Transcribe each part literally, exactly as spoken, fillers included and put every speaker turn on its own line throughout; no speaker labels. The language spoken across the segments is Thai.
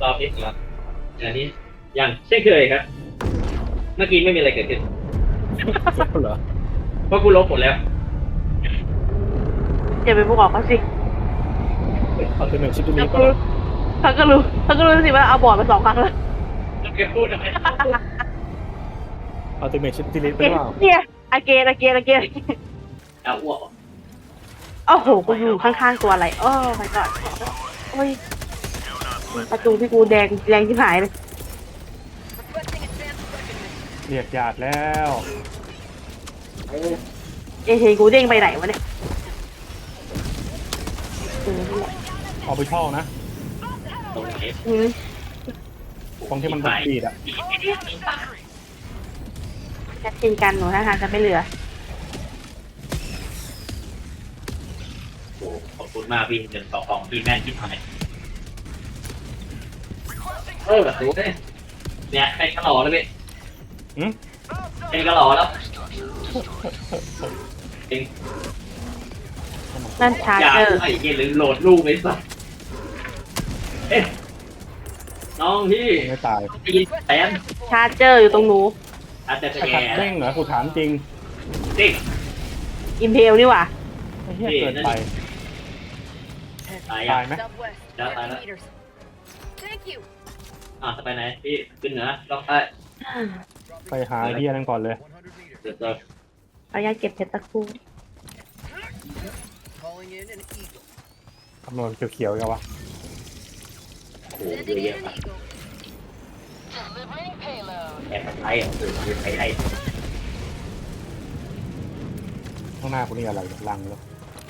รอบนี้ครับอันนี้อย่างเช่นเคยครับเมื่อกี้ไม่มีอะไรเกิดขึ้น
เหรอ
เพราะกูลบหมดแล้ว
อย่าไปพูดออกเขาสิ
เอาตัวหนึ่งชิปตัว
เขา
นี้
ก็
ก็
รู้เขาก็รู้เขาก็รู้สิว่าเอาบอร์ดมาสองครั้งแล้ว
จะไปพูดอะไร
เอาตัวหนึ่งชิปตัวนี้ไปเปล่า
เนี่ยอาเกนอาเกนอาเกน
เอาอ้วก
โอ้โหกูอยู่ข้างๆตัวอะไรโอ้ my god โอ้ยประตูที่กูแดงแดงที่หายเลย
เรียกญาติแล้ว
เอ้ยกูเด้งไปไหนวะเนี่ยเออนี่แหละ
เอาไปช่องนะ
ตรงไหน
อืม
ตรงที่มันบัดบีดอ่ะ
แค่ชินกันหนูท่าทางจะไม่เหลือ
โอ้ขอบคุณมากพี่เดินต่อของพี่แม่นที่ทำเออแบบรู้เนี่ยเนี่ยเป็นกระหล่อแล้วพี่
หืม
เป็นกระหล่อแล้วเป็น
นั่นชาร์
อย่า
เจอร์
ไอ้เหี้ยลืมโหลดรูปไปซะเอ๊ะน้องพี่
ไม่ตาย
ได้ยินแสน
ชาร์เจอร์อยู่ตรงหนู
อาจจะ
ไอ้
แย่
ขัดเด้งเหรอกูถามจริง
จริง
อิมเพลนี่หว่า
ไอ้เหี้ยเกินไป
ตาย
ตา
อ่ะ
ยไหม
แล้วตายแล้ว
Thank you.
อ่ะจะไปไหนพี่ขึ้นเหนือลองใต้
ไปหาไอ้เหี้ยนั่นก่อนเลย
เดี๋ยวจะ
เอายาเก็บเพชรตะครู่
Calling in an eagle.
คำนวณเขียวๆกันวะ
โอ้โหเย
Sending
อะ
in
แยะ
an
มาก
eagle. Delivering payload.
แอบไล่อ่ะคือคือไทยไทย
ข้างหน้ากูนี่อะไรเนี่ยลังแล้ว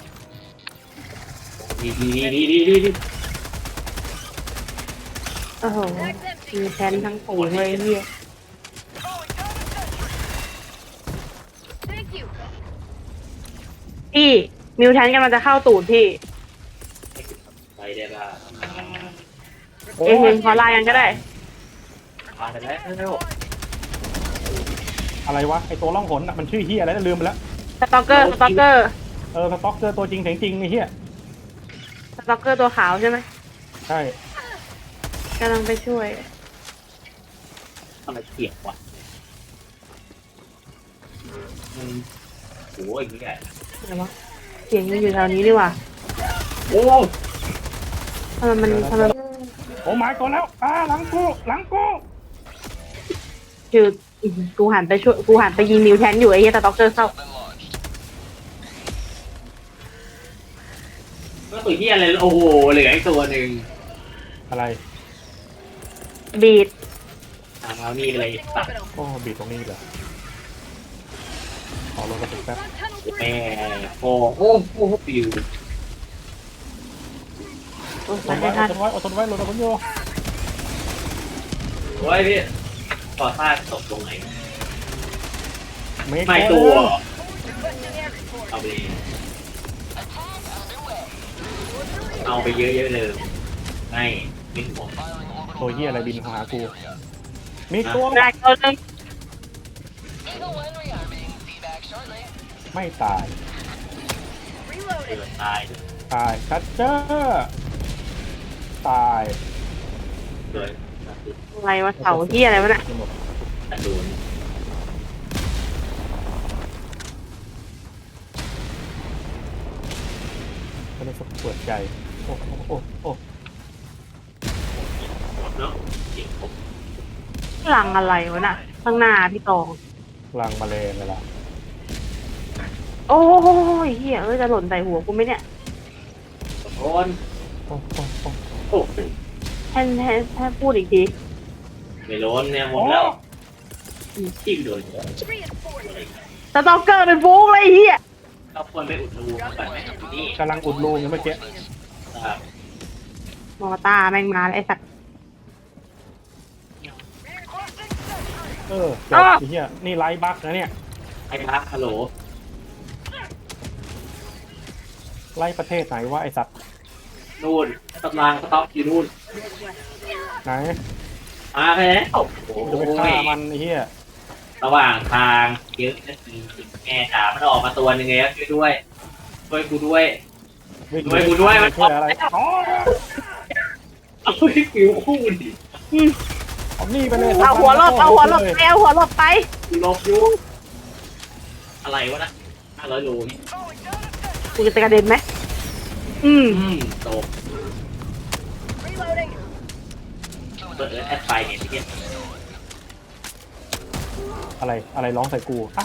ดีดีดีดีดีดี
โอ้โห
Bag's
มี
empty.
แทนทั้งฝูงเลยเฮีย
Thank you.
พี่มิวแทนกำลังจะเข้าตูดพี่
ไปได้ป่ะ
โอ้
เอยเฮ
ย
งขอลายังก็ได้
มาได้แล้ว
อะไรวะไอ้ตัวล่องหนอ่ะมันชื่อเหี้ยอะไรนะลืมไปแล้ว
สตอกเกอร์สตอกเกอร์
เออสต็อกเกอร์ตัวจริงเสียงจริงไอ้เหี้ย
สตอกเกอร์ตัวขาวใช่ไหม
ใช่
กำลังไปช่วย
ทำไมเสียงวะมันโอ้ยอย่างเงี้ย
อะไรวะเสียงมันอยู่แถวนี้ดีกว่า
โอ้
ทำไมมันทำไม
โอ้หมายก่อนแล้วอ่าหลังกูหลังกู
คืออื้อหือกูหันไปช่วยกูหันไปยิงมิวแทนอยู่ไอ้เหี้ยสตอกเกอร์เข้า
ก็ตัวที่อะไรโอ้โหเหลืออีกตัวหนึ่ง
อะไร
บีด
ทางเรานี่เลย
Requesting
ตัด
orbital.
โอ้บีดตรงนี้เหรอขอลงกระตุกแป๊บ
Front tunnel three.
แม่โอ้โอ้โอ้ปิว
โอ้ย
อดท
ไม่
นไว้
ทั
อน ดทนไว้อดทนไว้ลงตะคุนโย
โอ้ยพี่ต่อซากตกตรงไหน
ไม่
ไม่ตัว
Requesting air support.
เอาไปเอาไปเยอะๆเลยไม่ไม่ห่วง
ตัวเหี้ยอะไรบินหากูมีตัว
ได้ตัวหนึง
ไม่ตาย
Reloaded.
เดือดตาย
ตายชัดเจอร์ตาย
เลย
อะไรวะเสาเหี้ยอะไรวะน่ะ
ตัดดูน
ไม่ได้เปิดใจโอ้โอ้โอ้โอ้
เนาะจริงผม
หลังอะไรวะน่ะ ข้างหน้าพี่ตอง
ลังมาเลงเลยล่ะ
โอ้ยเฮียเอ้ยจะหล่นใส่หัวกูไหมเนี่ย
โอน
โอ้โอ้โอ้
โอ้
แทนแทนแทนพูดอีกที
ไม่โดนเนี่ยหมดแล้วที่โดน
Reinforcing.
สตอกเกอร์เป็นฟูงเลยไอ้เฮีย
เราควรไปอุดรูก่อนไหมนี่
กำลังอุดรูอยู่เมื่อกี้
ครับ
มอตาแม่งมาแล้วไอ้สัตว์
เออเดี๋ยว
อ้าว
ไอ้เหี้ยนี่ไลฟ์บั๊กนะเนี่ย
ไอ้พักฮัลโหล
ไล่ประเทศไหนวะไอสัตว์
นู่นกำลังสต็อกอยู่นู่น
ไหน
มาแล้วโอ้โห
จะไปฆ่ามันไอ้เหี้ย
ระหว่างทางเยอะนะจริงแม่จ๋ามันออกมาตัวหนึ่งไงช่วยด้วยช่วยกูด้วย
วิ่ง
ด้วยกูด้วยมัน
ช่วยอะไรอ๋อ
โอ้โหฮ้ยฟิวคู่ดิ
อืม
เอานี่ไปเลย
เอาหัวหลบเอาหัวหลบไปเอาหัวหลบไป
กูลบอยู่อะไรวะนะห้าร้อยโลนี่
กูจะกระเด็นไหมอืม
อืมตก
Reloading.
เปิดแอดไฟเนี่ยที่เนี่ย
อะไรอะไรร้องใส่กูอ้า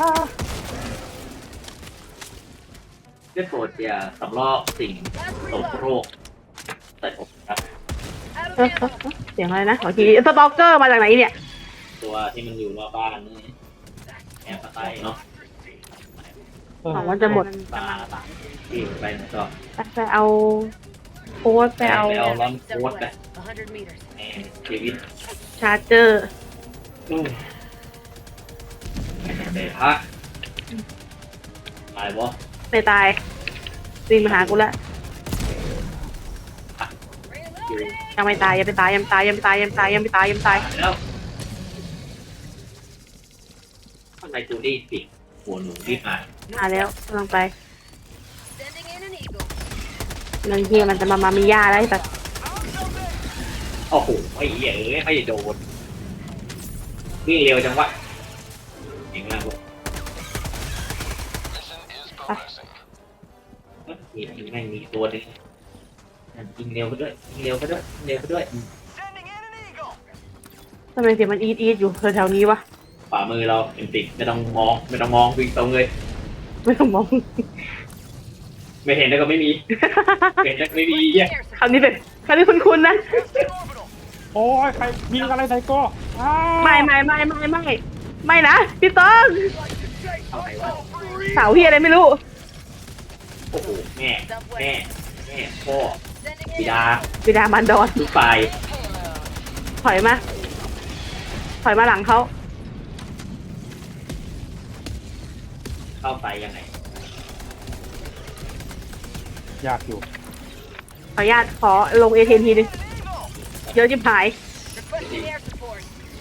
เพื่อโปรดอย่าสำลอกสิ่ง
Last
ตก
reload.
โรคใส่ผมครับ
Out
เอ
of
อเออ
ammo.
เออเสียงอะไรนะขอทีสตอกเกอร์มาจากไหนเนี่ย
ตัวที่มันอยู่รอบบ้านนี่แอบสไตล์เนาะ
เออ
หวังว่าจะหมด
ตาตาที่ไปนะก็
ไปเอาโค้ดไปเอา
ไปเอาร้อน
Step
โค้ดไป
away. A hundred meters.
แอนเควิน
ชาร์เจอร์
อืมเดพะตายวะ
ไม่ตายวิ่งมาหากูแล้ว
Reloading.
ยังไม่ตายยังไม่ตายยังไม่ตายยังไม่ตายยังไม่ตายยังไม่ตายยังไม่ตาย
ตายแล้วทำไมจูดี้สิหัวหนูรีบมา
มาแล้วกำลังไป
Sending in an eagle.
บางทีมันจะมามามีย่าได้แต่
โอ้โหไอ้เหี้ยเอ้ยไม่โดนวิ่งเร็วจังวะเก่งมากลูกมีแม่งมีตัวหนึงยิงเร็วไปด้วยยิงเร็วไปด้วยยิงเร็วไปด้วย
ทำไมเสียงมันอีดอีดอยู่แถวๆนี้วะ
ขวามือเราเป็นติดไม่ต้องมองไม่ต้องมองวิ่งตรงเลย
ไม่ต้องมอง
ไม่เห็นแล้วก็ไม่มีเห็นแล้วก็ไม่มีเหี้ย
Air
คำนี้เป็นคำนี้คุ้นๆนะ
โอ้ยใครยิงอะไรใส่กูอ้า
ไม่ไม่ไม่ไม่ไม่ไม่นะพี่ต้อง
เอาไหนวะ
สาวเฮียอะไรไม่รู้
โอ้โหแม่แม่แม่พ่อ
Sending
บิ
in.
ดา
บิดามันดอน
ลูกปลาย
ถอยมา ถอยมาหลังเขา
เข้าไปยังไง
ยากอยู่
ขออนุญาตขอลงเอเทนทีนึงเยอะจิบหาย
Requesting air support.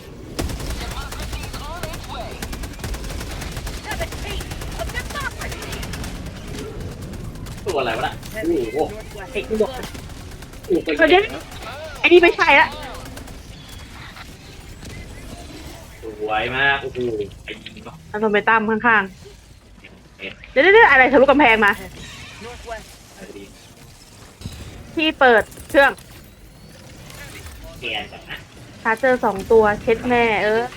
Have a taste of democracy.
ตัวอะไรวะน่ะโอ้โห
ไอ้กูบอก
โอ้โหไป
เดี๋ยวไอ้นี่ไม่ใช่ละ
สวยมากโอ้โหไอ้ยิงเนาะ
เอาลงไปตั้มข้าง
เอ็ด
ๆ เดี๋ยวเดี๋ยวอะไรทะลุกำแพงมา
Northwest.
อะไรดี
ที่เปิดเครื่อง
แกนจังนะ
ชาร์เจอร์สองตัวเช็ดแม่ เออ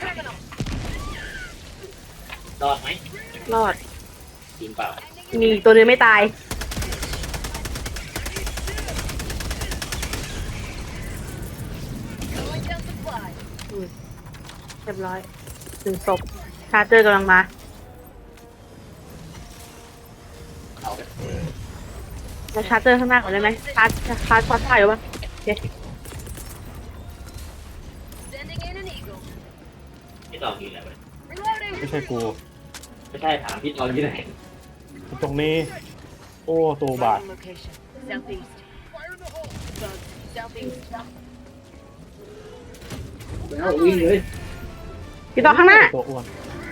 รอดไหม
รอด
จริงเปล่า
มีอีกตัวนึงไม่ตาย
Going down supply.
เรียบร้อยหนึ่งศพชาร์เจอร์กำลังมา
เอาไป
เราชาร์เจอร์ข้างหน้าก่อนได้ไหมชาร์จชาร์จพอดได้หรือเปล่าโอเค
Sending in an eagle.
ที่เรามีอะไรวะ
Reloading.
ไม่ใช่กู
ไม่ใช่ถามที่เราที่ไหน
ตรงนี้ โอ้ตัวบาด
Marking location. Southeast. Fire in the hole. Bug. Southeast.
แล้ววิ่งเลย
พี่ต่อข้างหน้า
ตัวอ้วน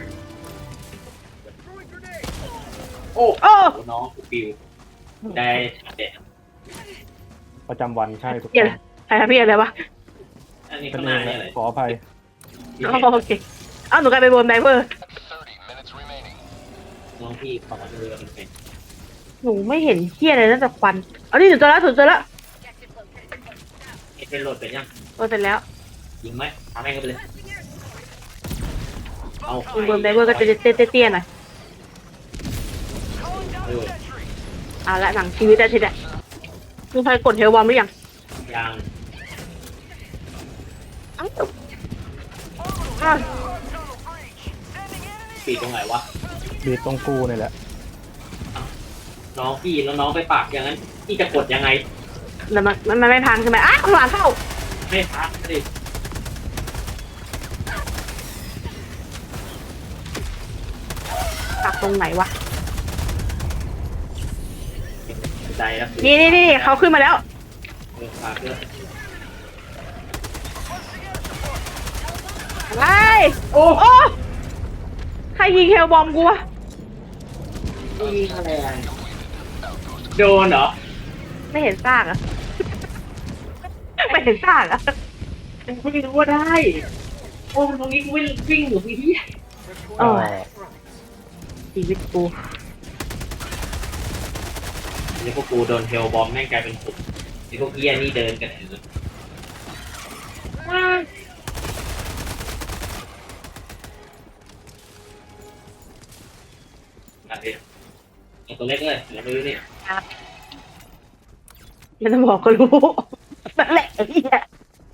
โอ้
โอ้
น้องกูปิวได้เด็ด
ประจำวันใช่ถูก
เหี้ย
ต้อง
ใครทำพี่อะไรวะ
อันนี้
เป็น
ข้างห
เอ
น้าง
แห
เนี่ยอะไร
ละขออภัย
อ๋อโอเค เอ้าหนูกลายเป็นโบนไดเวอร์
น้องพี่ขอเรือมันเป็น
หนูไม่เห็นเที่ยอะไรนอกจากควัน เอานี่หนูเจอแล้วหนูเจอแล้ว
Objective located.
เอเป็นโหลดเป็นยัง
โดนเสร็จแล้ว
ยิงไหมทำให้กันไปเลย เอา
คุณโบนไดเวอร์ก็จะเตี้ยๆหน่อย
เออ
เอาละหนังชีวิตอาทิตย์อะคุณเคยกดเฮลวอมหรือยัง
ยัง
อ้าวอ้าว
ปีตรงไหนวะ
บีบตรงกูนี่แหละ
น้องพี่แล้วน้องไปปากอย่างนั้นพี่จะกดยังไง
แล้วมันมันมันไม่พังใช่ไหมอ้าวข้างหลังเข้า
ไม่พักสิ
ปักตรงไหนวะ
ใจแล้ว
นี่นี่นี่เขาขึ้นมาแล้ว
เออปากเลย
ไอ้โอ้โอ้ใครยิงเฮลบอมกูวะ
ยิงอะไรโดนเหรอ
ไม่เห็นซากอะไปถึงต่างอ่ะ
กูไม่รู้ว่าได้โอ้ตรงนี้กูวิ่งวิ่งอยู่พี่ที่
โอ้ยชีวิตกู
นี่พวกกูโดนเทลบอมแม่งกลายเป็นสุดนี่พวกเหี้ยนี่เดินกันถืออะไรเอาตัวเล็กเลยแล้วไม่รู้เนี่ย
ไม่ต้องบอกก็รู้นั่นแหละไอ้เหี้ย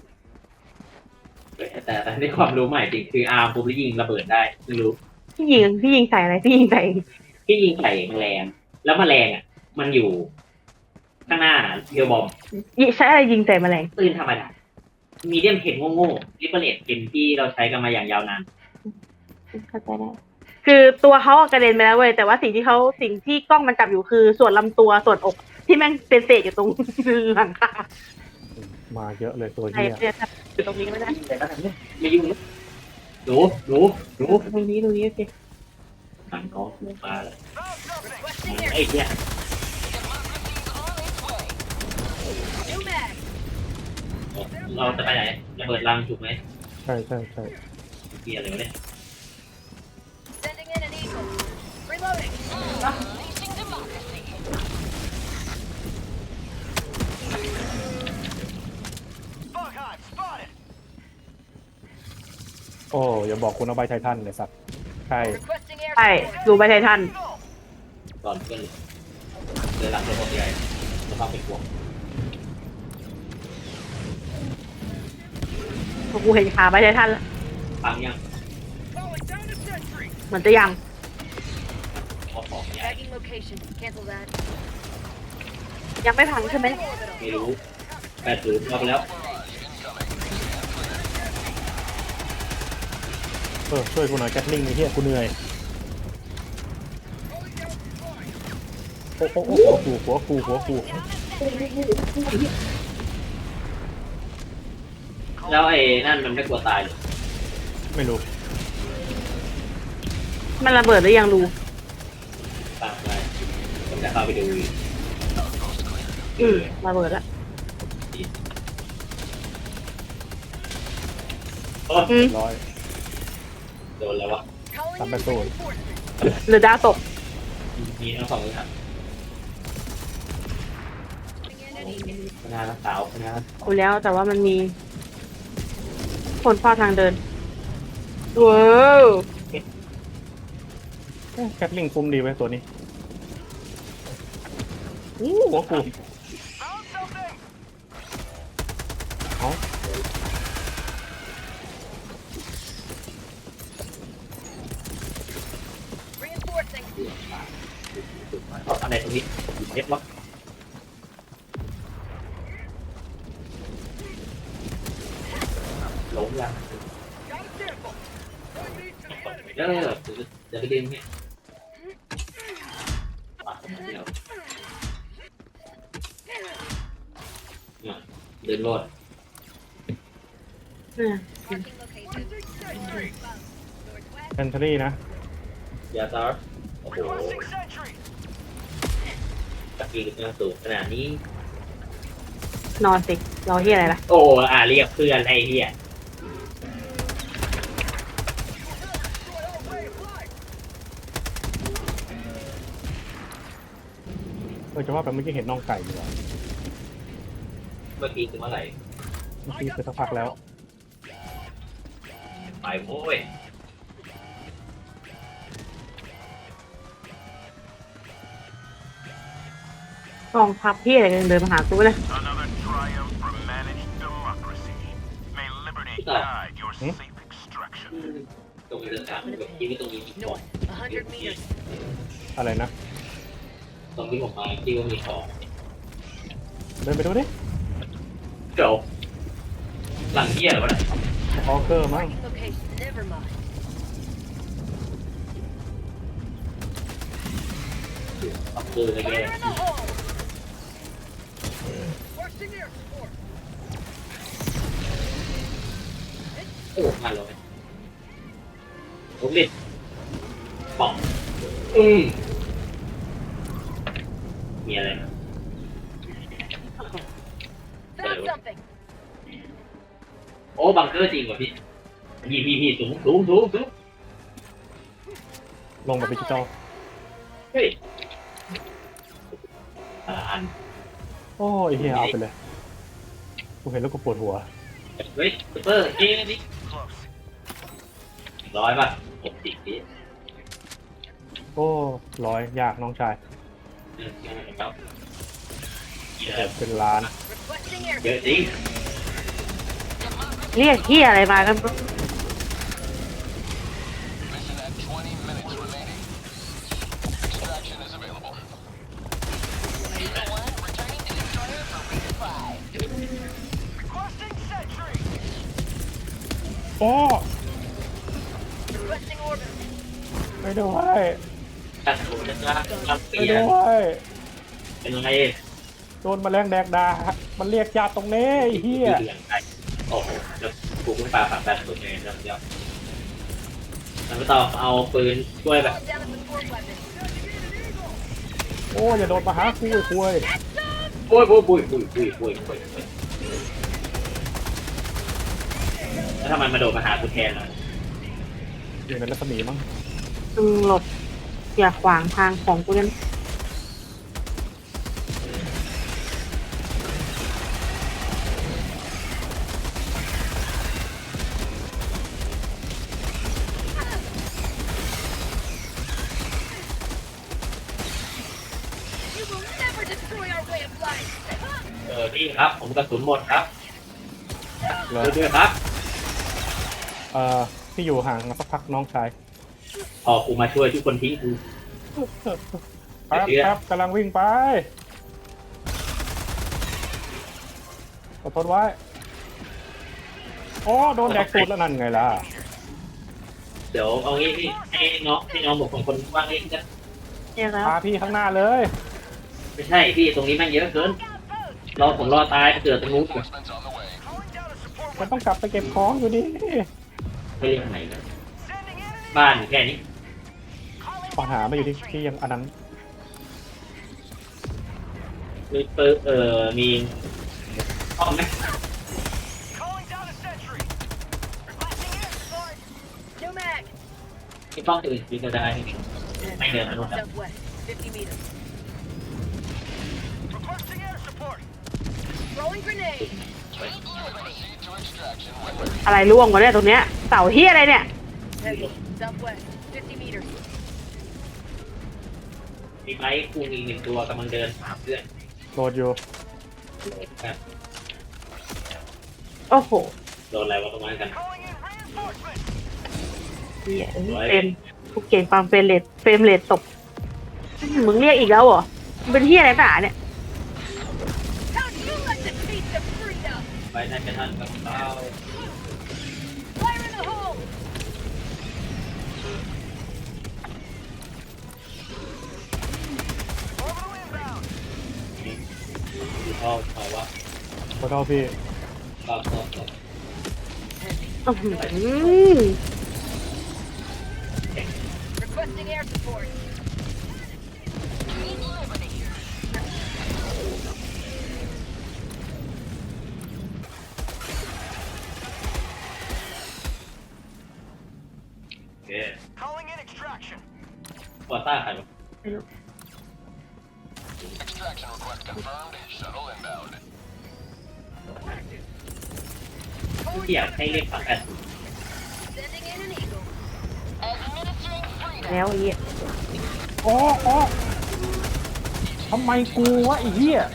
แต่แต่ในความรู้ใหม่จริงคืออาร์มปุ๊บแล้วยิงระเบิดได้ไม่รู้
พี่ยิงพี่ยิงใส่อะไรพี่ยิงใส่
ที่ยิงใส่แมลงแล้วแมลงอ่ะ มันอยู่ ข้างหน้าเทลบอม
ยิงใช้อะไรยิงใส่แมลง
ปืนธรรมดามีเดียมเพนโง่ๆริปเปอร์เลตเป็นที่เราใช้กันมาอย่างยาวนาน
เข้าใจได้คือตัวเขาอะกระเด็นไปแล้วเว้ยแต่ว่าสิ่งที่เขาสิ่งที่กล้องมันจับอยู่คือส่วนลำตัวส่วนอกที่แม่งเป็นเศษอยู่ตรงหลังคา
มาเยอะเลยตัว
ไอ้
เหี้ย
เนี่ยอยู่ตรงนี้ไม่ได้
ไม่ยุ่งนะหนูหนูหนู
ตรงนี้ตรงนี้โอเค
หันน้องมาเลยไอ้เหี้ย
New mag.
เราจะไปไหนจะเปิดรังถูกไหม
ใช่ใช่ใช่
เหี้ยอะไรวะเนี่ย
Sending in an eagle. Reloading.
Unleashing democracy.
โอ้อย่าบอกคุณเอาใบไททันเลยสัตว์ใช่
Requesting air
ใช่ดูไปไททัน
ก่อนเพื่อนเดินหลังเดินคนใหญ่จะต้องเป็นห่วง
พอกูเห็นขาไปไททันแล้ว
ฟังยัง
เหมือนจะยัง
พอของใหญ่
Tagging location. Cancel that.
ยังไม่พังใช่ไหม
Orbital.
ไม่รู้แปดศูนย์เอาไปแล้ว
เออช่วยกูหน่อยแกตลิงไอ้เหี้ยกูเหนื่อยโอ้โอ้โอ้หัวกูหัวกูหัวกู
แล้วไอ้นั่นมันไม่กลัวตายเลย
ไม่รู้
มันระเบิดหรือยังรู
ตามไปผมจะเข้าไปดูอีก
อืมระเบิดละ
โอ้
อืม
ร้อย
โดนแล้ววะ
Calling
Tạm
in
biệt rồi.
reinforcements.
หรือดาวตก
มีทั้งสองเลยครับ
Sending in an eagle.
คณะสาวคณะ
กูแล้วแต่ว่ามันมีคนเฝ้าทางเดินว้าว
แกตลิงคุ้มดีไว้ยตัวนี้อู้หัวกูเอา
Reinforcing.
เอาอะไรตรงนี้เล็บวะล้มยังเออเดี๋ยวไปดึงเนี่ยปาดเดียวเนี่ยเดินรอด
อืม
Marking location. Northwest.
แอนทรีนะ
ยาซาร์โอ้โหตะกี้ขึ้นสูงขนาดนี้
นอนสิรอที่อะไรล่ะ
โอ้อ่าเรียกเพื่อนไอ้เหี้ย
เออจะว่าไปเมื่อกี้เห็นน้องไก่อยู่อะ
เมื่อกี้คือเมื่อไหร่
เมื่อกี้ไปสักพักแล้ว
ไปโว้ย
กองทัพพี่อะไรกันเดินมาหากูเลย
Another triumph for managed democracy. May liberty guide your safe extraction.
ตรงนี้เรื่องการแบบที่ไม่ตรงนี้มีของ
North. A hundred meters.
อะไรนะ
ตรงที่ผมมาที่ว่ามีของ
เดินไปดูดิ
เดี๋ยวหลังเหี้ยเหรอวะเนี่ย
ออเกอร์มั้ง
Marking location. Never mind.
เอาปืนอะไรเงี้ย
Fire in the hole. Requesting air support.
โอ้มาเลยลูกเล็ดป๋องอืมมีอะไรนะ
Found something.
โอ้บังเกอร์จริงว่ะพี่พี่พี่พี่สูงสูงสูงสูง
ลงแบบดิจิตอล
เฮ้ยอ่าอัน
โอ้ยเฮียเอาไปเลยกูเห็นแล้วกูปวดหัว
เฮ้ยซูเปอร์เอ้นี่
Close.
ร้อยป่ะหกสิบพี่
โอ้ร้อยยากน้องชาย
เออครับเย
เจ็
อะ
บเป็นล้าน
Requesting air.
เยอะจริง
เรียกที่อะไรมากัน
Mission at twenty minutes remaining. Extraction is available.
Returning to destroyer for resupply.
Requesting sentry.
โอ้
Requesting orbit.
ไม่ด้วย
ถ้าสมมติว่าทำเสี
ไม่
ย
ด้วย
เป็นไง
โดนแมลงแดกดามันเรียกญาติตรงนี้ไอ้เฮีย
เหลืองไปโอ้โหแล้วกูไม่ปาฝังแบบตัวเองแล้วเดียวแล้วก็ต้องเอาปืนช่วยแบบ
Call down a support weapon.
โอ้อย่าโดนมาหากูไอ้คุย
ปุ้ยปุ้ยปุ้ยปุ้ยปุ้ยปุ้ยปุ้ยปุ้ยแล้วถ้ามันมาโดดมาหากูแทนล่ะ
อยู่ในรัศมีมั้ง
มึงหลบอย่าขวางทางของกูกัน
You will never destroy our way of life.
เออนี่ครับผมกระสุนหมดครับ
เหรอ
ด้วยครับ
เอ่อพี่อยู่ห่างมาสักพักน้องชาย
พอกูมาช่วยทุกคนทิ้งกู
แป๊บ
เชื่อ
แป๊บกำลังวิ่งไปอดทนไว้โอ้โดนแดกตูดแล้วนั่นไงล่ะ
เดี๋ยวเอางี้พี่ให้น้องให้น้องบอกคนคนว่างเองจะ
เนี่ยแล้ว
พาพี่ข้างหน้าเลย
ไม่ใช่พี่ตรงนี้แม่งเยอะเกินรอผมรอตายเกิดตรงนู้น
Reinforcements on the way. Calling down a support
มัน
weapon.
ต้องกลับไปเก็บของอยู่ดี
ไม่เรียกไหนกัน
Sending enemy.
บ้านอยู่แค่นี้
ปัญหาไม่อยู่ที่ที่ยังอันนั้น
มีปืนเอ่อมีห้องไหม
Calling down a sentry.
Requesting air support. New mag.
มีห้องอื่นมีกระดาษไม่เดินมาโน่นครับ
Southwest. fifty meters.
Requesting air support.
Throwing grenade.
Proceed to extraction when
อะไรล่วงวะเนี่ยตรงเนี้ยเสาเฮียอะไรเนี่ย
Heavy. Southwest. fifty meters.
มีไม้คูมีหนึ่งตัวกำลังเดินหาเพื่อน
โหลดอยู่
ครับ
โอ้โห
โดนอะไรวะตรงนั้นกัน
calling in reinforcements.
เหี้ยเฟรมกูเก่งความเฟรมเรทเฟรมเรทตกมึงเรียกอีกแล้วเหรอมึงเป็นเฮียอะไรหนาเนี่ย
How'd you like the taste of freedom?
ไปนั่นกันนั่นกับเรา
Fire in the hole.
Orbital inbound.
ดูพ่อเขาว่า
ขอโทษพี่
ก็ก็ก็
อื้อหือ
Requesting air support.
Need liberty.
โอเค
Calling in extraction.
พอต้าใครวะ
Extraction request confirmed. Shuttle inbound.
ที่อยากให้เรียกฝังกัน
Sending in an eagle.
Administering freedom.
แล้วไอ้เหี้ย
โอ้โอ้ทำไมกูวะไอ้เหี้ย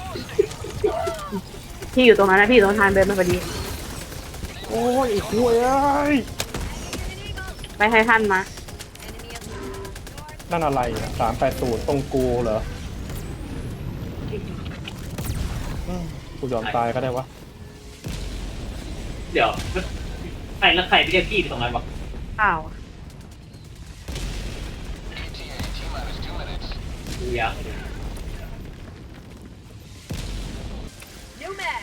พี่อยู่ตรงนั้นนะพี่อยู่ตรงทางเดินมาพอดี
โอ้ยไอ้คุยเอ้ย
ไปให้ท่านมา
Enemy up north.
นั่นอะไรอ่ะสามแปดศูนย์ตรงกูเหรออืมกูยอมตายก็ได้วะ
เดี๋ยวใครแล้วใครไม่เรียกพี่ไปตรงนั้นวะ
อ้าว
E T A T minus two minutes.
ดูยาว
New mag.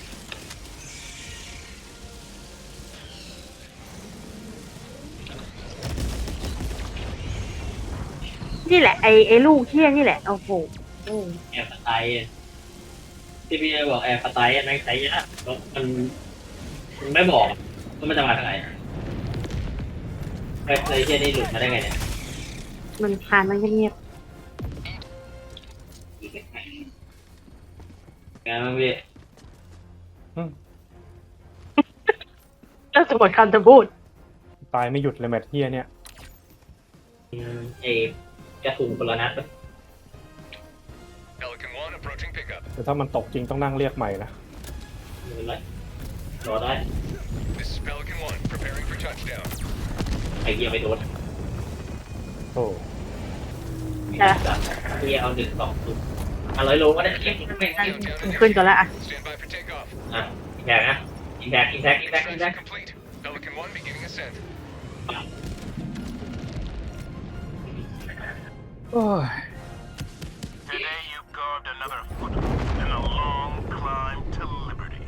นี่แหละไอ้ไอ้ลูกเที่ยนี่แหละโอ้โหโอ้
แอร์สไตล์ที่พี่บอกแอร์สไตล์นั่งใช้ยากแล้วมันมันไม่บอกว่ามันจะมาทางไหนไอ้ไอ้เฮียนี่หลุดมาได้ไงเนี่ย
มันคานมันเงียบ
งานมันพี่
อืม
ๆแล้วสมมติคำจะพูด
ตายไม่หยุดเลยแมทเฮียเนี่ย
อืมไอ้กระสุนคนละนัดปะ
Pelican one approaching pickup.
แต่ถ้ามันตกจริงต้องนั่งเรียกใหม่นะ
ไม่เป็นไรรอได้
This is Pelican one, preparing for touchdown.
ไอ้เฮียไปโดน
โอ้
เฮียเอาหนึ่งสองศูนย์อ่ะร้อยโลก็ได้เฮียมันไม่ได้
Countdown to
ขึ้นก่อนละอ่ะ
Stand by for takeoff.
อ่ะอินแบกนะอินแบกอินแบกอินแบกอินแบก
Extraction complete. Pelican one beginning ascent.
โอ้ย
Today you carved another foothold in a long climb to liberty.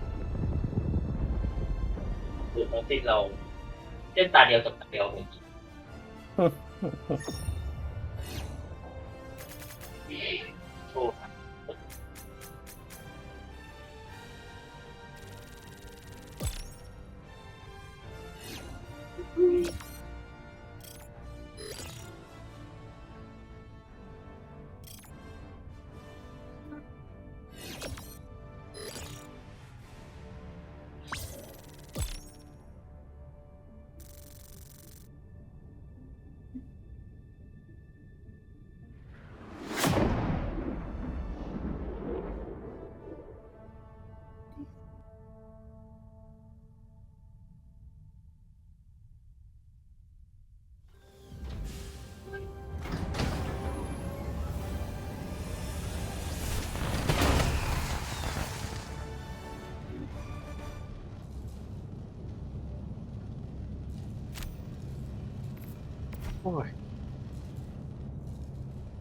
คือของที่เราเส้นตาเดียวกับตาเดียวผมโชว์
โอ้ย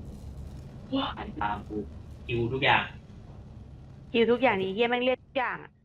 อันตามกูคิวทุกอย่าง
คิวทุกอย่างนี้เฮียแม่งเรียกทุกอย่างอ่ะ